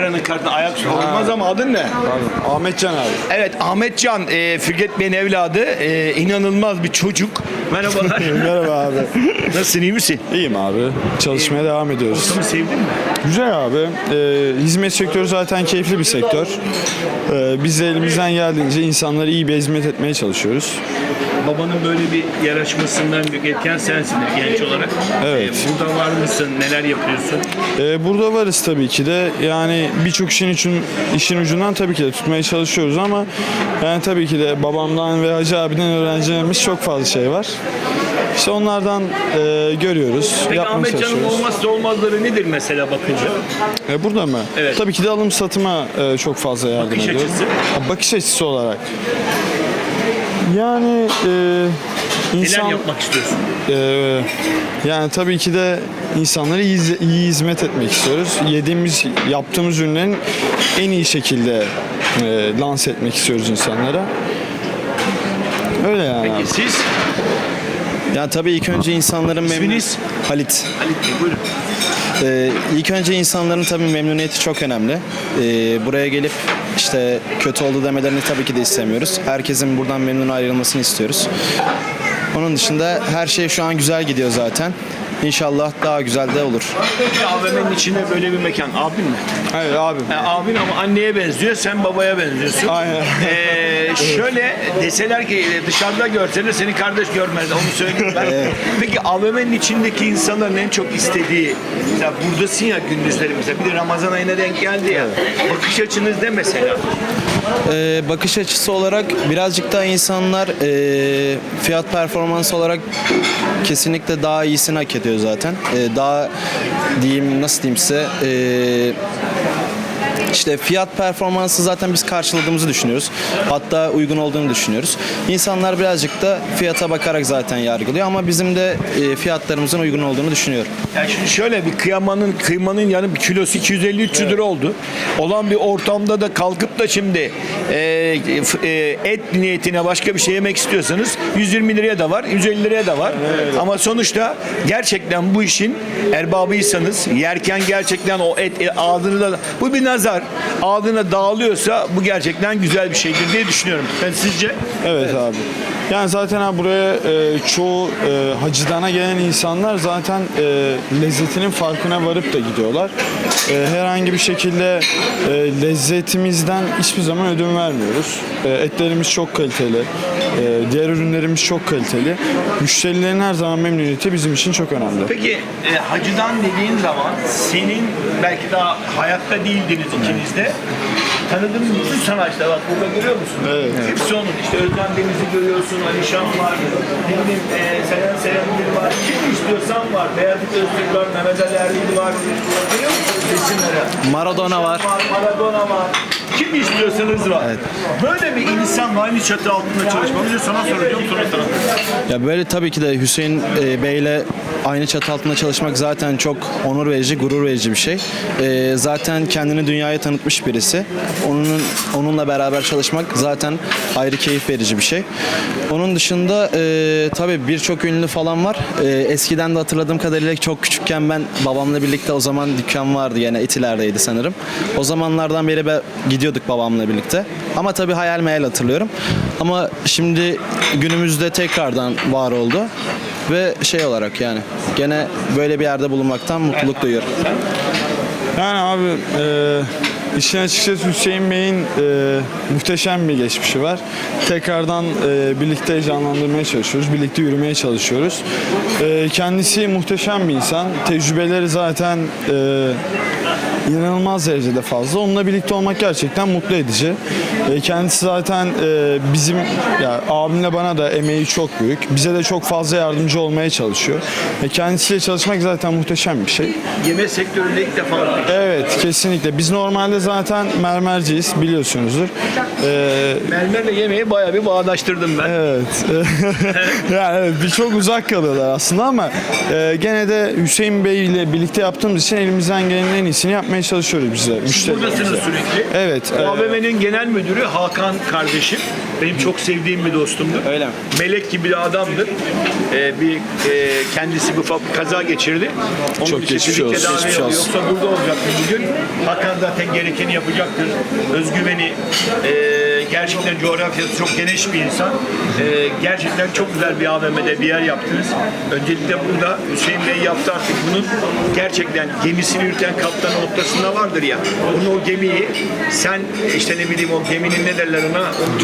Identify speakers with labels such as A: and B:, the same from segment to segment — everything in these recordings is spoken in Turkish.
A: kameranın kartına ayak olmaz ama adın ne?
B: Pardon. Ahmetcan abi.
A: Evet, Ahmetcan, Fikret Bey'in evladı. İnanılmaz bir çocuk. Merhabalar.
B: Merhaba abi.
A: Nasılsın, iyi misin?
B: İyiyim abi. Çalışmaya devam ediyoruz.
A: Ortamı sevdin mi?
B: Güzel abi. Hizmet sektörü zaten keyifli bir sektör. Biz de elimizden geldiğince insanlara iyi bir hizmet etmeye çalışıyoruz.
A: Babanın böyle bir yarışmasından büyük etken sensin genç olarak.
B: Evet.
A: Burada var mısın? Neler yapıyorsun?
B: Burada varız tabii ki de. Yani birçok işin ucundan tabii ki de tutmaya çalışıyoruz ama yani tabii ki de babamdan ve Hacı abiden öğreneceğimiz çok fazla şey var. İşte onlardan görüyoruz,
A: Peki
B: yapmaya
A: Ahmetcan'ın
B: çalışıyoruz.
A: olmazsa olmazları nedir mesela bakınca?
B: Burada mı?
A: Evet.
B: Tabii ki de alım satıma çok fazla yardım
A: Bakış
B: ediyor.
A: açısı?
B: Bakış açısı olarak. Yani insan...
A: Neler yapmak istiyorsun?
B: Yani tabii ki de insanlara iyi hizmet etmek istiyoruz. Yaptığımız ürünlerin en iyi şekilde lanse etmek istiyoruz insanlara. Öyle yani.
A: Peki siz?
C: Yani tabii ilk önce insanların
A: İsminiz?
C: Halit.
A: Halit Bey buyurun.
C: İlk önce insanların tabii memnuniyeti çok önemli. Buraya gelip işte kötü oldu demelerini tabii ki de istemiyoruz. Herkesin buradan memnun ayrılmasını istiyoruz. Onun dışında her şey şu an güzel gidiyor zaten. İnşallah daha güzel de olur.
A: AVM'nin içinde böyle bir mekan. Abin mi?
B: Hayır abim.
A: Abin ama anneye benziyor, sen babaya benziyorsun.
B: Aynen.
A: Şöyle deseler ki dışarıda görseler seni kardeş görmez, onu söyleyeyim ben. Peki AVM'nin içindeki insanların en çok istediği, mesela buradasın ya gündüzleri mesela, bir de Ramazan ayına denk geldi ya, bakış açınız ne mesela?
C: Bakış açısı olarak birazcık daha insanlar fiyat performans olarak kesinlikle daha iyisini hak ediyor zaten. Daha diyeyim, nasıl diyeyim size, işte fiyat performansı zaten biz karşıladığımızı düşünüyoruz. Hatta uygun olduğunu düşünüyoruz. İnsanlar birazcık da fiyata bakarak zaten yargılıyor ama bizim de fiyatlarımızın uygun olduğunu düşünüyorum.
A: Yani şimdi şöyle bir kıymanın yani bir kilosu 250-300 lira oldu. Olan bir ortamda da kalkıp da şimdi et niyetine başka bir şey yemek istiyorsanız 120 liraya da var, 150 liraya da var. Ama sonuçta gerçekten bu işin erbabıysanız, yerken gerçekten o et ağzınıza, bu bir nazar, ağzına dağılıyorsa bu gerçekten güzel bir şeydir diye düşünüyorum. Ben sizce?
B: Evet abi. Yani zaten abi buraya çoğu hacıdana gelen insanlar zaten lezzetinin farkına varıp da gidiyorlar. Herhangi bir şekilde lezzetimizden hiçbir zaman ödün vermiyoruz. Etlerimiz çok kaliteli. Diğer ürünlerimiz çok kaliteli. Müşterilerin her zaman memnuniyeti bizim için çok önemli.
A: Peki hacıdan dediğin zaman senin belki daha hayatta değildiniz ikiniz de. Tanıdığın bütün sanatçılar bak burada görüyor musun?
B: Evet.
A: Hepsi onun. İşte Özlem Deniz'i görüyorsun, Alişan var, ne bileyim Seren Serengil var. Kim istiyorsan var. Beyazıt Öztürk var, Mehmet Ali Erbil var. Görüyor musunuz resimleri?
C: Maradona var.
A: Maradona var. Kim istiyorsanız var.
C: Evet.
A: Böyle bir insanla aynı çatı altında çalışmak. Önce sana soracağım, sonra sana.
C: Ya böyle tabii ki de Hüseyin Bey'le aynı çatı altında çalışmak zaten çok onur verici, gurur verici bir şey. Zaten kendini dünyaya tanıtmış birisi. Onunla beraber çalışmak zaten ayrı keyif verici bir şey. Onun dışında tabii birçok ünlü falan var. Eskiden de hatırladığım kadarıyla çok küçükken ben babamla birlikte, o zaman dükkan vardı, yine Etiler'deydi sanırım. O zamanlardan beri gidiyorduk babamla birlikte. Ama tabii hayal meyal hatırlıyorum. Ama şimdi günümüzde tekrardan var oldu. Ve şey olarak yani gene böyle bir yerde bulunmaktan mutluluk duyuyorum.
B: Yani abi işin açıkçası Hüseyin Bey'in muhteşem bir geçmişi var. Tekrardan birlikte canlandırmaya çalışıyoruz. Birlikte yürümeye çalışıyoruz. Kendisi muhteşem bir insan. Tecrübeleri zaten inanılmaz derecede fazla. Onunla birlikte olmak gerçekten mutlu edici. Kendisi zaten bizim, ya abimle bana da emeği çok büyük. Bize de çok fazla yardımcı olmaya çalışıyor. Kendisiyle çalışmak zaten muhteşem bir şey.
A: Yemek sektöründe ilk defa.
B: Evet, kesinlikle. Biz normalde zaten mermerciyiz, biliyorsunuzdur.
A: Mermerle yemeği bayağı bir bağdaştırdım ben.
B: Evet. Yani evet, bir çok uzak kalıyorlar aslında ama gene de Hüseyin Bey ile birlikte yaptığımız için elimizden gelenin en iyisini yapmaya yapmaya çalışıyoruz biz de.
A: Buradasınız sürekli.
B: Evet.
A: AVM'nin genel müdürü Hakan kardeşim. Benim çok sevdiğim bir dostumdur.
C: Öyle mi?
A: Melek gibi bir adamdır. Kendisi bir ufak bir kaza geçirdi. Onun
B: Çok
A: için
B: geçmiş
A: fizik
B: olsun,
A: tedavi
B: geçmiş
A: alıyor.
B: olsun.
A: Yoksa burada olacaktı bugün. Hakan zaten gerekeni yapacaktır. Özgüveni, gerçekten coğrafyası çok geniş bir insan. Gerçekten çok güzel bir AVM'de bir yer yaptınız. Öncelikle burada Hüseyin Bey yaptı artık bunun gerçekten gemisini yürüten kaptan noktasında vardır ya. Bunu o gemiyi sen işte ne bileyim o geminin ne derler ona?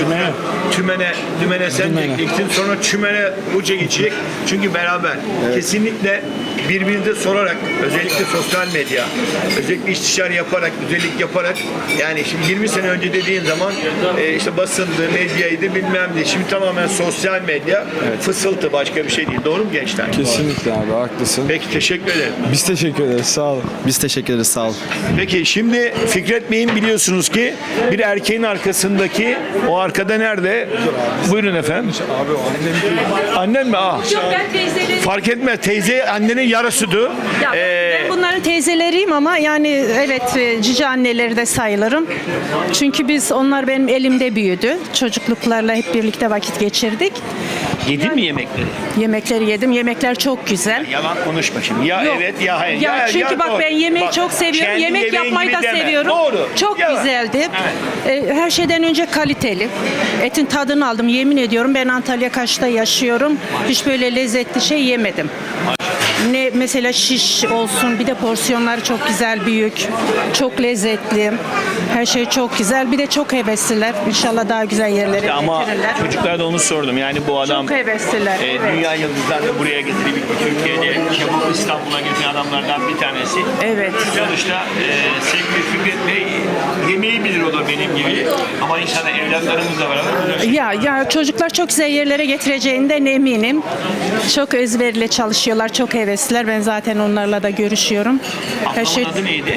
A: Tümene sen çekeceksin. Sonra çümene bu çekecek. Çünkü beraber kesinlikle birbirinize sorarak özellikle sosyal medya, özellikle istişare yaparak, güzellik yaparak yani şimdi 20 sene önce dediğin zaman işte basındı, medyaydı bilmem ne. Şimdi tamamen sosyal medya fısıltı başka bir şey değil. Doğru mu gençler?
B: Kesinlikle abi, haklısın.
A: Peki teşekkür ederim.
B: Biz teşekkür ederiz. Sağ olun.
C: Biz teşekkür ederiz, sağ olun.
A: Peki şimdi Fikret Bey'in biliyorsunuz ki bir erkeğin arkasındaki o arkada nerede? Buyurun efendim.
B: Abi o annem.
A: Annen mi?
D: Yok ben teyzelerim.
A: Fark etmez. Teyze annenin yarısıdır.
D: Ya ben bunların teyzeleriyim ama yani evet cici anneleri de sayılırım. Çünkü onlar benim elimde büyüdü. Çocukluklarla hep birlikte vakit geçirdik.
A: Yedin mi yemekleri?
D: Yemekleri yedim. Yemekler çok güzel.
A: Yalan konuşma şimdi. Ya
D: Yok.
A: evet ya hayır.
D: Ya çünkü bak
A: doğru.
D: ben yemeği
A: Bak,
D: çok seviyorum.
A: kendi
D: Yemek
A: yemeğin
D: yapmayı
A: gibi
D: da
A: deme.
D: seviyorum.
A: Doğru.
D: Çok
A: Ya.
D: güzeldi. Her şeyden önce kaliteli. Etin tadını aldım. Yemin ediyorum ben Antalya Kaş'ta yaşıyorum. Hiç böyle lezzetli şey yemedim. Ne mesela şiş olsun, bir de porsiyonları çok güzel, büyük, çok lezzetli. Her şey çok güzel. Bir de çok hevesliler. İnşallah daha güzel yerlere
A: Ama
D: getirirler.
A: çocuklara da onu sordum. Yani bu adam
D: Çok hevesliler. Evet.
A: dünya yıldızlarını buraya getirip Türkiye'de kebap İstanbul'a getiren adamlardan bir tanesi.
D: Evet.
A: Sonuçta sevgili Fikret Bey yemeği bilir o da benim gibi. Ama inşallah evlatlarımızla beraber
D: Ya çocuklar çok güzel yerlere getireceğinden eminim. Çok özverili çalışıyorlar, çok hevesliler. Ben zaten onlarla da görüşüyorum. Her şey
A: Ablamın adı neydi?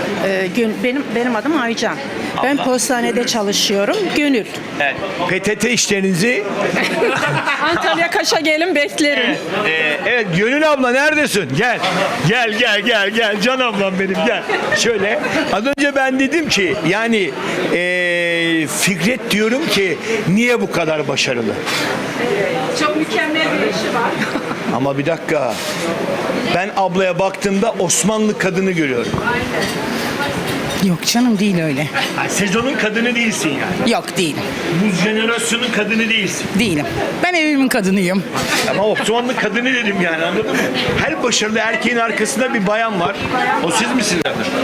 D: benim adım Aycan. Ben postanede çalışıyorum. Gönül.
A: Evet. PTT işlerinizi
D: Antalya Kaş'a gelin beklerim.
A: evet Gönül abla neredesin? Gel. Gel. Can ablam benim gel. Şöyle. Az önce ben dedim ki yani Fikret diyorum ki niye bu kadar başarılı?
D: Çok mükemmel bir işi var.
A: Ama bir dakika. Ben ablaya baktığımda Osmanlı kadını görüyorum.
E: Yok canım, değil öyle.
A: Yani sezonun kadını değilsin yani.
E: Yok, değilim.
A: Bu jenerasyonun kadını değilsin.
E: Değilim. Ben evimin kadınıyım.
A: Ama Osmanlı kadını dedim yani anladın mı? Her başarılı erkeğin arkasında bir bayan var. O siz misiniz?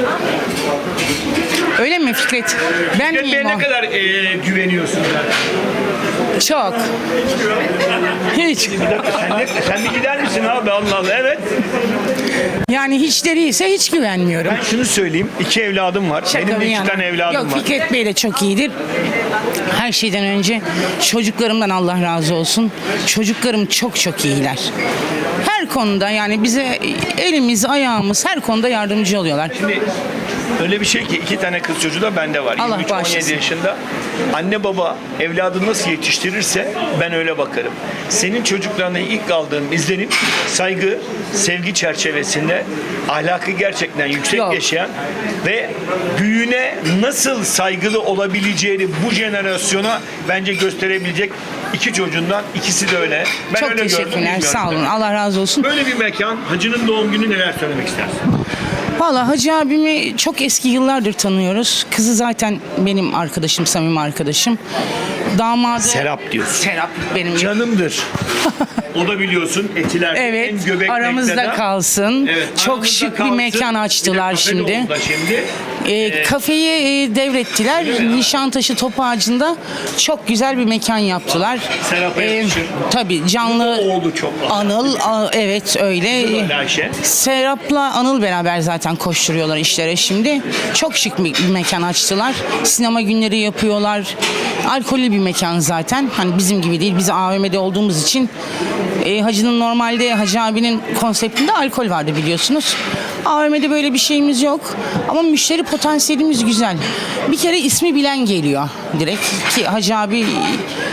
E: Öyle mi Fikret? Ben
A: Fikret Bey'e
E: miyim
A: ne
E: o?
A: kadar güveniyorsunuz zaten?
E: Çok. Hiç.
A: Bir dakika sen de gider misin abi Allah Allah evet.
E: Yani hiç de değilse hiç güvenmiyorum.
A: Ben şunu söyleyeyim 2 evladım var.
E: Şaka
A: Benim de
E: bir
A: 2
E: yana.
A: tane evladım
E: Yok,
A: var.
E: Fikret Bey de çok iyidir. Her şeyden önce çocuklarımdan Allah razı olsun. Çocuklarım çok çok iyiler. Her konuda yani bize elimiz, ayağımız her konuda yardımcı oluyorlar.
A: Şimdi öyle bir şey ki 2 tane kız çocuğu da bende var.
E: Allah
A: 23-17
E: bağışlasın.
A: yaşında. Anne baba evladı nasıl yetiştirirse ben öyle bakarım. Senin çocuklarına ilk aldığım izlenim saygı, sevgi çerçevesinde ahlakı gerçekten yüksek
E: Yok.
A: yaşayan ve büyüğüne nasıl saygılı olabileceğini bu jenerasyona bence gösterebilecek 2 çocuğundan ikisi de öyle. Ben
E: Çok
A: öyle gördüm,
E: teşekkürler.
A: bilmiyorum
E: Sağ olun.
A: tabii.
E: Allah razı olsun.
A: Böyle bir mekan, Hacı'nın doğum günü neler söylemek istersin?
E: Valla Hacı abimi çok eski yıllardır tanıyoruz. Kızı zaten benim arkadaşım, samimi arkadaşım. Damadı...
A: Serap diyorsun.
E: Serap benim.
A: Canımdır. O da biliyorsun Etiler'de
E: Evet,
A: en göbek
E: aramızda
A: mektede.
E: kalsın.
A: Evet,
E: Çok
A: aramızda
E: şık bir
A: kalsın.
E: mekan
A: Bir de
E: açtılar
A: kafe de
E: şimdi.
A: oldu şimdi.
E: Kafeyi devrettiler. Nişantaşı Topağacı'nda çok güzel bir mekan yaptılar.
A: Serap'a yakışır.
E: Tabii canlı
A: Oğlu çok var.
E: Anıl, evet öyle.
A: Ayşe.
E: Serap'la Anıl beraber zaten koşturuyorlar işlere şimdi. Çok şık bir mekan açtılar. Sinema günleri yapıyorlar. Alkollü bir mekan zaten. Hani bizim gibi değil. Biz AVM'de olduğumuz için Hacı'nın normalde Hacı abinin konseptinde alkol vardı biliyorsunuz. AVM'de böyle bir şeyimiz yok. Ama müşteri potansiyelimiz güzel. Bir kere ismi bilen geliyor direkt. Ki Hacı abi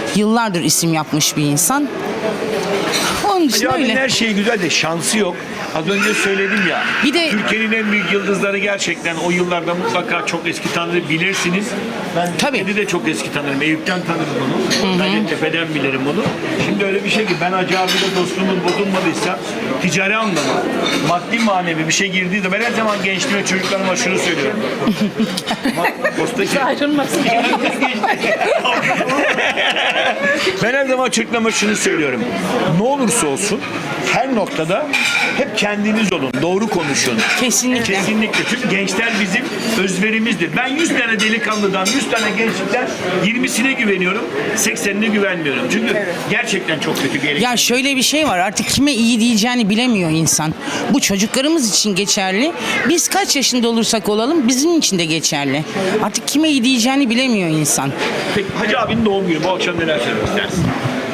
E: yıllardır isim yapmış bir insan. Onun için
A: Ya
E: öyle.
A: her şey güzel de şansı yok. Az önce söyledim ya.
E: Bir de-
A: Türkiye'nin en büyük yıldızları gerçekten o yıllarda mutlaka çok eski tanır bilirsiniz. Ben
E: Tabii.
A: Türkiye'de de çok eski tanırım. Eyüp'ten tanırım onu. Gayrettepe'den bilirim onu. Şimdi öyle bir şey ki ben Hacı abiyle dostluğumuz bozulmadıysa ticari anlamda maddi manevi bir şey girdiği de ben her zaman gençliğime çocuklarıma şunu söylüyorum. Postaki
D: Ayrılmasın.
A: ben her zaman çocuklarıma şunu söylüyorum. Ne olursa olsun her noktada hep kendiniz olun. Doğru konuşun.
E: Kesinlikle.
A: Kesinlikle. Çünkü gençler bizim özverimizdir. Ben 100 tane delikanlıdan, 100 tane gençlikten 20'sine güveniyorum, 80'ine güvenmiyorum. Çünkü gerçekten çok kötü gerekiyor.
E: Ya şöyle bir şey var, artık kime iyi diyeceğini bilemiyor insan. Bu çocuklarımız için geçerli. Biz kaç yaşında olursak olalım bizim için de geçerli. Artık kime iyi diyeceğini bilemiyor insan.
A: Peki Hacı abinin doğum günü. Bu akşam neler söylemek istersin?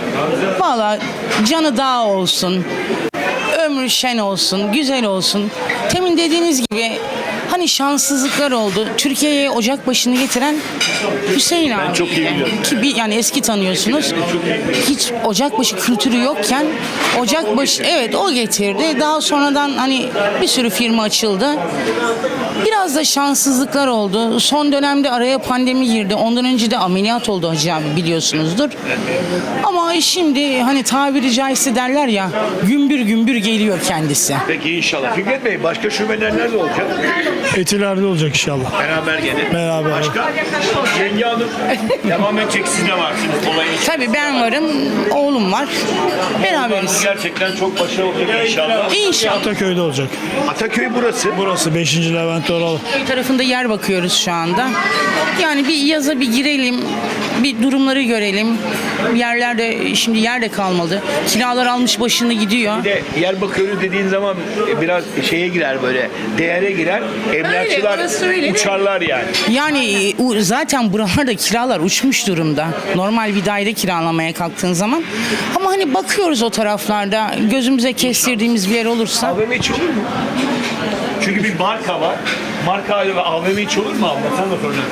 E: Valla canı dağ olsun, ömrü şen olsun, güzel olsun. Temin dediğiniz gibi hani şanssızlıklar oldu. Türkiye'ye ocak başını getiren Hüseyin abi.
A: çok iyi biliyorum.
E: Ki yani eski tanıyorsunuz. Hiç ocakbaşı kültürü yokken ocakbaşı evet o getirdi. Daha sonradan hani bir sürü firma açıldı. Biraz da şanssızlıklar oldu. Son dönemde araya pandemi girdi. Ondan önce de ameliyat oldu Hacı abi biliyorsunuzdur. Ama şimdi hani tabiri caizse derler ya gümbür gümbür geliyor kendisi.
A: Peki inşallah. Fikret Bey başka şubeler nerede olacak?
F: Etiler'de olacak inşallah.
A: Beraber gene.
F: Beraber.
A: Başka? Yenge Hanım devam edecek, siz de varsınız olayın için.
E: Tabii ben varım, oğlum var. Beraberiz.
A: Gerçekten çok başarılı olacak inşallah.
E: İnşallah.
F: Ataköy'de olacak.
A: Ataköy burası.
F: Burası 5. Levent Oral.
E: Köy tarafında yer bakıyoruz şu anda. Yani bir yaza bir girelim, bir durumları görelim. Yerlerde şimdi yer de kalmadı. Kiralar almış başını gidiyor.
A: Bir de yer bakıyoruz dediğin zaman biraz şeye girer böyle, değere girer. Emlakçılar
E: orası öyle de.
A: uçarlar yani.
E: Yani zaten buralarda kiralar uçmuş durumda. Normal bir daire kiralamaya kalktığın zaman. Ama hani bakıyoruz o taraflarda gözümüze kestirdiğimiz bir yer olursa.
A: AVM hiç olur mu? Çünkü bir marka var. Marka ve AVM hiç olur mu abla? Sen de problem.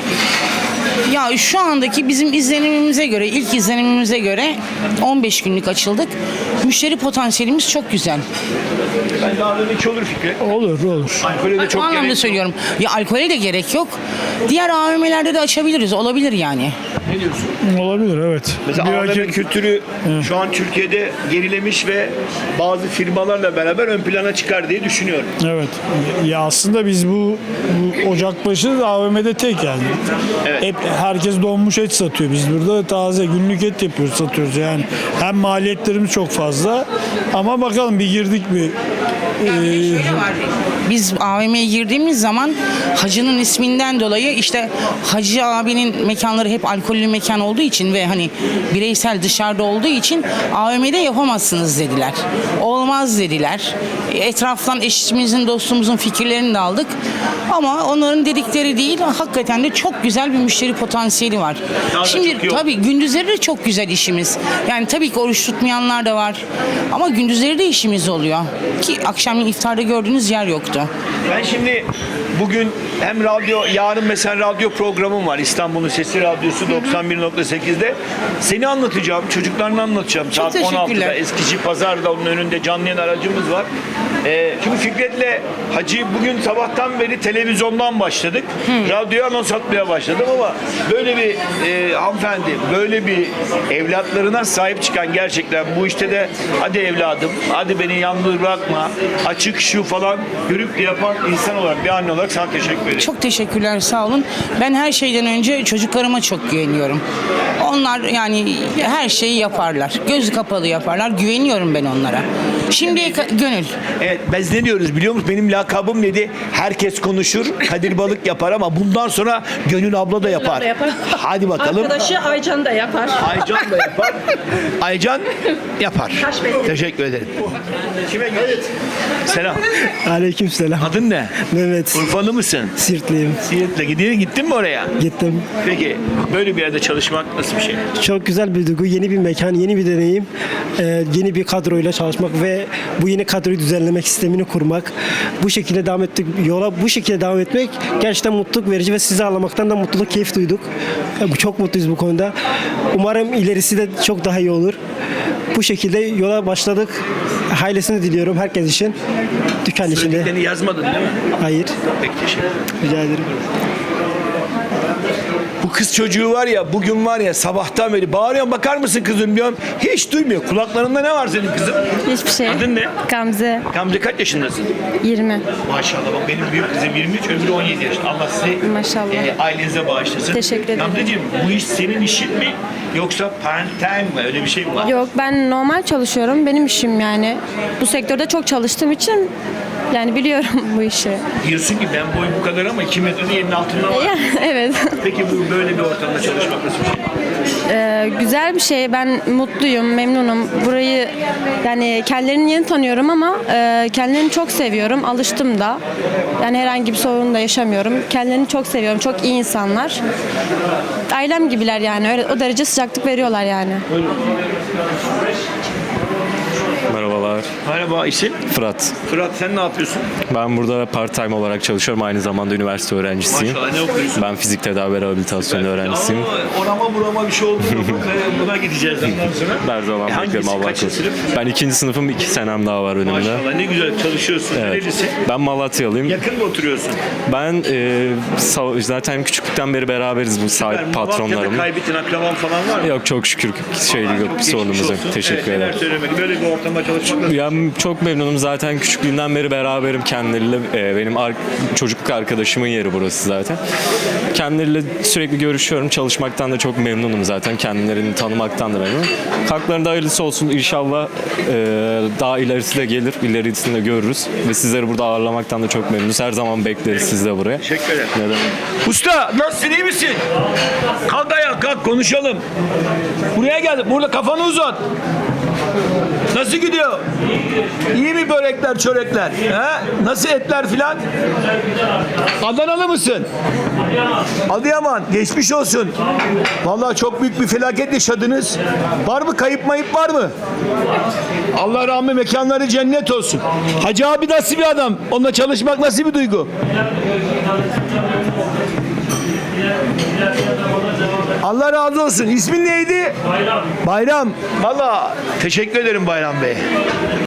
E: Ya şu andaki bizim izlenimimize göre, ilk izlenimimize göre 15 günlük açıldık. Müşteri potansiyelimiz çok güzel.
A: Ben de AVM hiç olur Fikret.
F: Olur olur.
A: Alkolü de
E: O
A: çok
E: anlamda
A: gerek yok.
E: söylüyorum. Ya alkole de gerek yok. Diğer AVM'lerde de açabiliriz. Olabilir yani.
A: Ne diyorsun?
F: Olabilir evet.
A: Mesela
F: Bir
A: AVM
F: rakip-
A: kültürü şu an Türkiye'de gerilemiş ve bazı firmalarla beraber ön plana çıkar diye düşünüyorum.
F: Evet. Ya aslında biz bu Ocakbaşı AVM'de tek yani.
A: Evet.
F: Hep herkes donmuş et satıyor. Biz burada taze günlük et yapıyoruz, satıyoruz yani. Hem maliyetlerimiz çok fazla ama bakalım bir girdik bir
E: Biz AVM'ye girdiğimiz zaman Hacı'nın isminden dolayı işte Hacı abinin mekanları hep alkollü mekan olduğu için ve hani bireysel dışarıda olduğu için AVM'de yapamazsınız dediler. Olmaz dediler. Etraftan eşimizin, dostumuzun fikirlerini de aldık. Ama onların dedikleri değil, hakikaten de çok güzel bir müşteri potansiyeli var.
A: Daha da çok
E: Şimdi
A: iyi oldu.
E: tabii gündüzleri de çok güzel işimiz. Yani tabii ki oruç tutmayanlar da var. Ama gündüzleri de işimiz oluyor. Ki akşamleyin iftarda gördüğünüz yer yoktu.
A: Ben şimdi bugün hem yarın mesela radyo programım var. İstanbul'un Sesi Radyosu 91.8'de. Seni anlatacağım, çocuklarını anlatacağım.
E: Çok
A: Saat 16'da
E: teşekkürler.
A: Eskici Pazar'da onun önünde canlı yayın aracımız var. Şimdi Fikret'le Hacı bugün sabahtan beri televizyondan başladık. Radyoya anons atmaya başladım ama böyle bir hanımefendi, böyle bir evlatlarına sahip çıkan gerçekten bu işte de hadi evladım, hadi beni yalnız bırakma, açık şu falan görüp de yapan insan olarak, bir anne olarak sana teşekkür ederim.
E: Çok teşekkürler, sağ olun. Ben her şeyden önce çocuklarıma çok güveniyorum. Onlar yani her şeyi yaparlar. Gözü kapalı yaparlar. Güveniyorum ben onlara. Şimdiye Gönül.
A: Evet, biz ne diyoruz biliyor musun? Benim lakabım neydi? Herkes konuşur, Kadir Balık yapar ama bundan sonra Gönül abla da yapar.
D: abla yapar.
A: Hadi bakalım.
D: Arkadaşı Aycan da yapar.
A: Aycan da yapar. Aycan yapar.
D: Taş bekliyor.
A: Teşekkür ederim. Kime göre? Selam.
G: Aleykümselam.
A: Adın ne?
G: Mehmet.
A: Urfalı mısın?
G: Sirtliyim.
A: Siirt'le gittin mi oraya?
G: Gittim.
A: Peki böyle bir yerde çalışmak nasıl bir şey?
G: Çok güzel bir duygu, yeni bir mekan, yeni bir deneyim. Yeni bir kadroyla çalışmak ve bu yeni kadroyu düzenlemek, sistemini kurmak. Bu şekilde devam ettik. Yola bu şekilde devam etmek gerçekten mutluluk verici ve sizi ağlamaktan da mutluluk, keyif duyduk. Çok mutluyuz bu konuda. Umarım ilerisi de çok daha iyi olur. Bu şekilde yola başladık. Hayırlısını diliyorum herkes için. Dükkan içinde.
A: Söylediklerini yazmadın değil mi?
G: Hayır.
A: Peki teşekkür ederim.
G: Rica ederim.
A: Bu kız çocuğu var ya, bugün var ya, sabahtan beri bağırıyorum, bakar mısın kızım diyorum. Hiç duymuyor. Kulaklarında ne var senin kızım?
H: Hiçbir şey.
A: Adın ne?
H: Gamze
A: Gamze kaç yaşındasın?
H: 20.
A: Maşallah, bak benim büyük kızım 23, öbürü 17 yaşında. Allah sizi
H: Maşallah.
A: Ailenize bağışlasın.
H: Teşekkür ederim.
A: Gamzeciğim, bu iş senin işin mi? Yoksa part-time mi? Öyle bir şey mi var?
H: Yok, ben normal çalışıyorum. Benim işim yani. Bu sektörde çok çalıştığım için yani biliyorum bu işi.
A: Diyorsun ki ben boy bu kadar ama 2 metrenin yerin altında var.
H: Evet.
A: Peki bu böyle bir ortamda çalışmak nasıl bir şey?
H: Güzel bir şey. Ben mutluyum, memnunum. Burayı yani kendilerini yeni tanıyorum ama kendilerini çok seviyorum. Alıştım da. Yani herhangi bir sorun da yaşamıyorum. Kendilerini çok seviyorum. Çok iyi insanlar. Ailem gibiler yani. Öyle, o derece sıcaklık veriyorlar yani.
I: Merhabalar,
A: Merhaba, isim?
I: Fırat.
A: Fırat, sen ne yapıyorsun?
I: Ben burada part-time olarak çalışıyorum. Aynı zamanda üniversite öğrencisiyim.
A: Maşallah, ne okuyorsun?
I: Ben fizik tedavi rehabilitasyon öğrencisiyim.
A: Ama orama burama bir şey oldu mu? Buna gideceğiz ondan sonra.
I: Her zaman beklerim
A: Hangisi,
I: Allah
A: kaçıncı
I: korusun.
A: sınıf?
I: Ben 2. sınıfım, 2 senem daha var önümde.
A: Maşallah, ne güzel çalışıyorsun.
I: Evet.
A: Nerelisin?
I: Ben Malatyalıyım.
A: Yakın mı oturuyorsun?
I: Ben zaten küçüklükten beri beraberiz bu sahip
A: Malatya'da
I: patronlarım.
A: kaybettin, akraban falan var mı?
I: Yok, çok şükür yok, bir
A: Geçmiş
I: sorunumuz yok.
A: olsun.
I: Teşekkür
A: Neler
I: ederim.
A: söylemek, böyle bir ortamda çalışmak nasıl?
I: Ben çok memnunum, zaten küçüklüğümden beri beraberim kendileriyle. Benim çocukluk arkadaşımın yeri burası zaten. Kendileriyle sürekli görüşüyorum. Çalışmaktan da çok memnunum zaten. Kendilerini tanımaktan da memnunum. Haklarında hayırlısı olsun. İnşallah daha ilerisi de gelir. İlerisini de görürüz. Ve sizleri burada ağırlamaktan da çok memnunuz. Her zaman bekleriz siz de buraya.
A: Teşekkür ederim.
I: Ne demek?
A: Usta, nasılsın, iyi misin? Kalk ayağa, kalk konuşalım. Buraya gel, burada kafanı uzat. Nasıl gidiyor? İyi mi börekler, çörekler? He? Nasıl etler filan? Adanalı mısın? Adıyaman. Geçmiş olsun. Vallahi çok büyük bir felaket yaşadınız. Var mı? Kayıp mayıp var mı? Allah rahmet, mekanları cennet olsun. Hacı abi nasıl bir adam? Onunla çalışmak nasıl bir duygu? Allah razı olsun. İsmin neydi? Bayram. Bayram. Vallahi teşekkür ederim Bayram Bey.